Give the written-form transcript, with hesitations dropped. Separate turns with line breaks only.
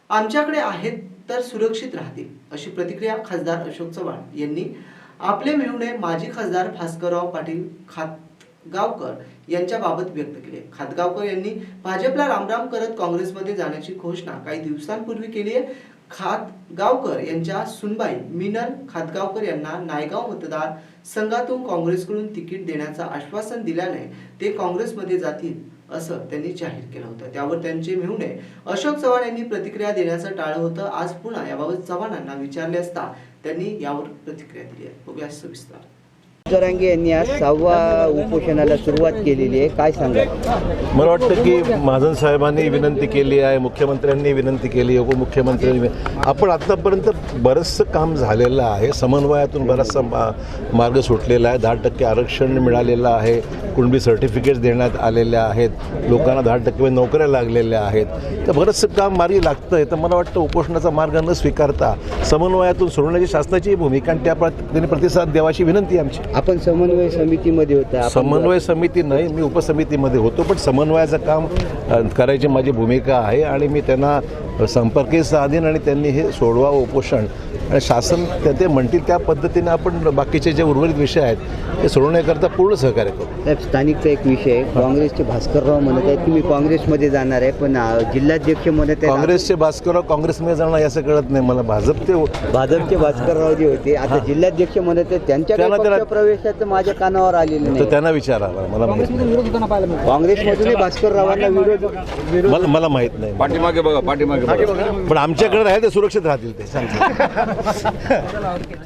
आमच्याकडे आहेत तर सुरक्षित राहतील, अशी प्रतिक्रिया खासदार अशोक चव्हाण यांनी आपले मेहुणे माजी खासदार भास्करराव पाटील खातगावकर यांच्याबाबत व्यक्त केली। खातगावकर यांनी भाजपला रामराम करत काँग्रेसमध्ये जाण्याची घोषणा काही दिवसांपूर्वी केली आहे। खातगावकर यांच्या सुनबाई मिनल खातगावकर यांना नायगाव मतदार संघातून काँग्रेसकडून तिकीट देण्याचं आश्वासन दिल्याने ते काँग्रेसमध्ये जातील असं त्यांनी जाहीर केलं होतं। त्यावर त्यांचे मेहुणे अशोक चव्हाण यांनी प्रतिक्रिया देण्याचं टाळलं होतं। आज पुन्हा याबाबत चव्हाणांना विचारले असता त्यांनी यावर प्रतिक्रिया दिली आहे। बघूया सविस्तर।
जरांगे यांनी आज 6व्या उपोषणाला सुरुवात केलेली आहे, काय सांगा?
मला वाटतं की महाजन साहेबांनी विनंती केली आहे, मुख्यमंत्र्यांनी विनंती केली, उपमुख्यमंत्र्यांनी आपण आतापर्यंत बरंचसं काम झालेलं आहे। समन्वयातून बराचसा मार्ग सुटलेला आहे। 10% आरक्षण मिळालेलं आहे, कुणबी सर्टिफिकेट्स देण्यात आलेल्या आहेत, लोकांना 10% नोकऱ्या लागलेल्या आहेत। तर बरंचसं काम मार्गी लागतं आहे। तर मला वाटतं उपोषणाचा मार्ग न स्वीकारता समन्वयातून सोडण्याची शासनाची भूमिका आणि त्या पद्धतीने प्रतिसाद द्यावाची विनंती आमची।
आपण समन्वय समितीमध्ये होता?
समन्वय समिती नाही, मी उपसमितीमध्ये होतो, पण समन्वयाचं काम करायची माझी भूमिका आहे आणि मी त्यांना संपर्कही साधीन आणि त्यांनी हे सोडवा उपोषण आणि शासन ते म्हणतील त्या पद्धतीने आपण बाकीचे जे उर्वरित विषय आहेत ते सोडवण्याकरता पूर्ण सहकार्य करू।
साहेब, स्थानिकचा एक विषय, काँग्रेसचे भास्करराव म्हणत आहेत की मी काँग्रेसमध्ये जाणार आहे, पण जिल्हाध्यक्ष म्हणत आहेत
काँग्रेसचे भास्करराव काँग्रेसमध्ये जाणार याचं कळत नाही मला।
भाजपचे भास्करराव जे होते आता जिल्हाध्यक्ष म्हणत आहेत त्यांच्या प्रवेशाचं माझ्या कानावर आलेलं नाही।
तर त्यांना विचारा, मला माहित नाही।
काँग्रेसमधून भास्कररावांना विरोध
मला माहित नाही।
पाठीमागे बघा, पाठीमागे
पण आमच्याकडे राहिले ते सुरक्षित राहतील ते सांगतो।